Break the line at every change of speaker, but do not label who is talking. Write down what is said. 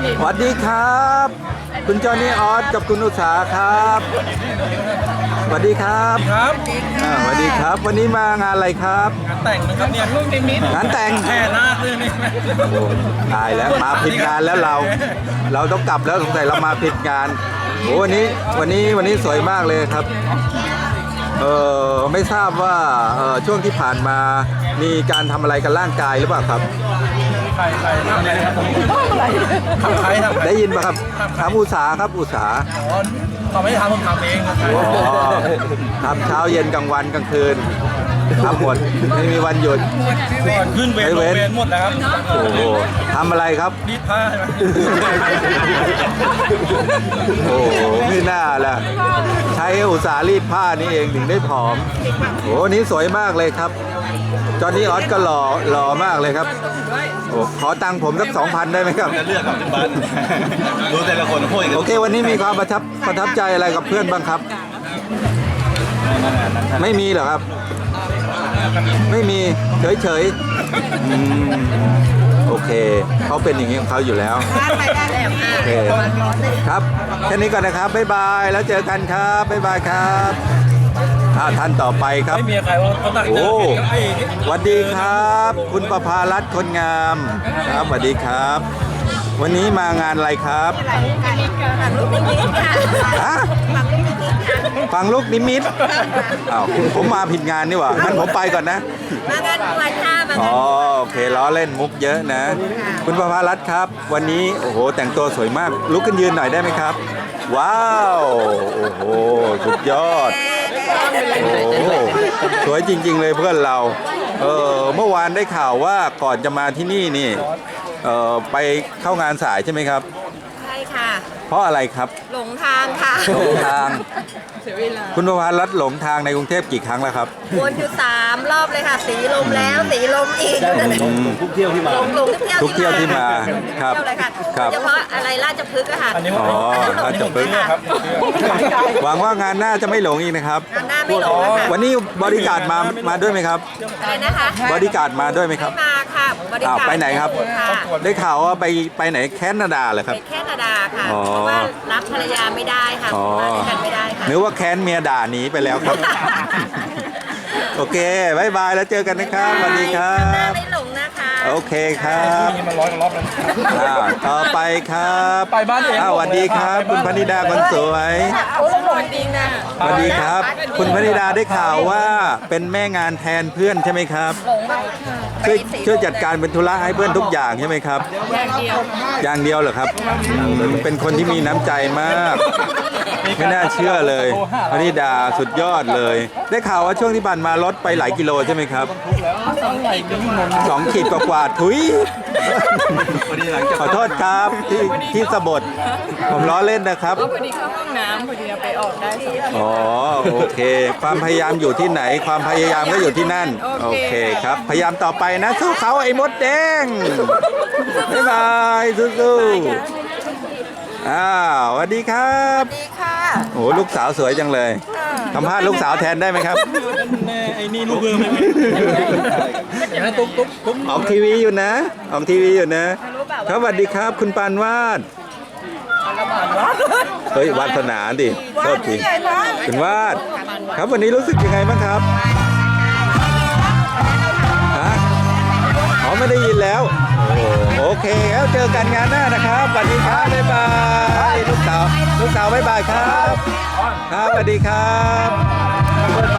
สวัสดีครับคุณจอห์นนี่ออสกับคุณอุษาครับสวัสดีครับ
ครับ
สวัสดีครับวันนี้มางานอะไรครับ
งานแต่งนะครับเนี่ยลูกนิมิต
งานแต่ง
แค่หน้าเลยนี่
โอ้ตายแล้วมาผิดงานแล้วเราต้องกลับแล้วสงสัยเรามาผิดงานโอ้วันนี้สวยมากเลยครับไม่ทราบว่าช่วงที่ผ่านมามีการทำอะไรกับร่างกายหรือเปล่าครับ
ใครทำอะไรครับทำใครทำ
ได้ยินป่ะครับถามอุษาครับอุษา
อ๋อเขาไม่ได้ทำผมทำเองครับ
อ๋อทำเช้าเย็นกลางวันกลางคืนทำหมดไม่มีวันหยุด
ก่อนขึ้นเวรลงเวรหมดแล้วครับ
โอ้โหทำอะไรครับ
รีดผ้าใช่ไหม
โอ้โหไม่น่าล่ะใช้อุตสาห์รีดผ้านี่เองถึงได้ผอมโอ้นี่สวยมากเลยครับจอห์นนี่ออสก็หล่อมากเลยครับโอ้ขอตังค์ผมสัก 2,000 ได้ไหมครับ
จะเลือกกับเป็นบ้านดูแต่ละคนพูดกัน
โอเควันนี้มีความประทับใจอะไรกับเพื่อนบ้างครับ ไม่มีเหรอครับ ไม่มีเฉยๆโอเคเขาเป็นอย่างนี้ของเขาอยู่แล้วโอเคครับแค่นี้ก่อนนะครับบ๊ายบายแล้วเจอกันครับบ๊ายบายครับท่านต่อไปครับ
ไม่มีใครว่าเขาตักเจ
โอ้
อไอ้
สวัสดีครับ คุณประภารัตน์คนงามครับสวัสดีครับ วันนี้มางานอะไรครับฮะฟังลูกนิมิตอ้าวผมมาผิดงานนี่หว่างั้นผมไปก่อนนะ
มางานบวชค่ะมางาน
อ๋อโอเคล้อเล่นมุกเยอะนะ คุณประภารัตน์ครับ วันนี้โอ้โหแต่งตัวสวยมากลุกขึ้นยืนหน่อยได้ไหมครับ ว้าวโอ้โหสุดยอดโอ้โหสวยจริงๆเลยเพื่อนเราเมื่อวานได้ข่าวว่าก่อนจะมาที่นี่นี่ไปเข้างานสายใช่ไหมครับ
ใช่ค่ะ
เพราะอะไรครับ
หลงทางค่ะ
หลงทางคุณประภารัตน์หลงทางในกรุงเทพกี่ครั้งแล้วครับ
วนอยู่3 รอบเลยค่ะ สีลมแล้วสีลมอีก
ทุกเที่ยวที่มา
หลงทุกเที่ยว
ที่มาครับ
เที่ยวเลยค่ะ
ครับ
โดยเฉพาะอะไรราชพฤกษ์อะค่ะ
อันนี้
อ๋อราชพฤกษ์
ครับ
หวังว่างานหน้าจะไม่หลงอีกนะครับ
งานหน้าไม่หลงนะคะ
วันนี้บริการมาด้วยไหมครับ
อะไรนะคะ
บริการมาด้วยไหมครับ
มาค่ะบริ
อ้าว
การ
ไปไหนครับ
ค่ะ
ได้ข่าวว่าไปไหนแคนาดาเหรอครับ
ไปแคนาดาค่ะ
อ๋อ
เพราะว่ารับภรรยาไม่ได้ค่ะ
อ๋อ
มาด้วยกันไม่ได้ค่ะ
นึกว่าแค้นเมียด่าหนีไปแล้วครับ โอเคบายบายแล้วเจอกันนะครับสวัสดีครั
งานหน้า
บ
ไม่หลงนะคะ
โอเคครับ
นี่มันร้อยกว่ารอบแล้ว
ต่อไปครับ
ไปบ้านเอง
สวัสดีครับ คุณพนิดาคนสวย
โอ้หลงจริงนะ
สวัสดีครับ คุณพนิดาได้ข่าวว่าเป็นแม่งานแทนเพื่อนใช่ไหมครับ
หลงมาก
ช่วยจัดการเป็นธุระให้เพื่อนทุกอย่างใช่ไหมครับ อย่างเดียวเหรอครับเป็นคนที่มีน้ำใจมาก ไม่น่าเชื่อเลยพนิดาสุดยอดเลย ได้ข่าวว่าช่วงที่ผ่านมาลดไปหลายกิโลใช่ไหมครับ2 ขีดกว่าๆถุยขอโทษครับที่สะบดผมล้อเล่นนะครับ
พอดีเข้าห้องน้ำพอดีไปออกได้2
อ๋อโอเค ความพยายามอยู่ที่ไหน ความพยายามก็อยู่ที่นั่นโอเคครับ พยายามต่อไปนะสู้เขาไอ้มดแดงบ๊ายบายสู้ๆสวัสดีครับ
ดีค่ะ
โอ้ลูกสาวสวยจังเลยสัมภาษณ์ลูกสาวแทนได้ไหมครับ
ไอ้นี่ลูกเรือไม่อย่างนั้นตุ๊ก
ออกทีวีอยู่นะครับสวัสดีครับ คุณปานวาดเฮ้ยวาสนาดิโทษทีคุณวาดครับวันนี้รู้สึกยังไงบ้างครับฮะอ๋อไม่ได้ยินแล้วโอเคแล้วเจอกันงานหน้านะครับสวัสดีครับบ๊ายบายลูกสาวบ๊ายบายครับครับสวัสดีครับ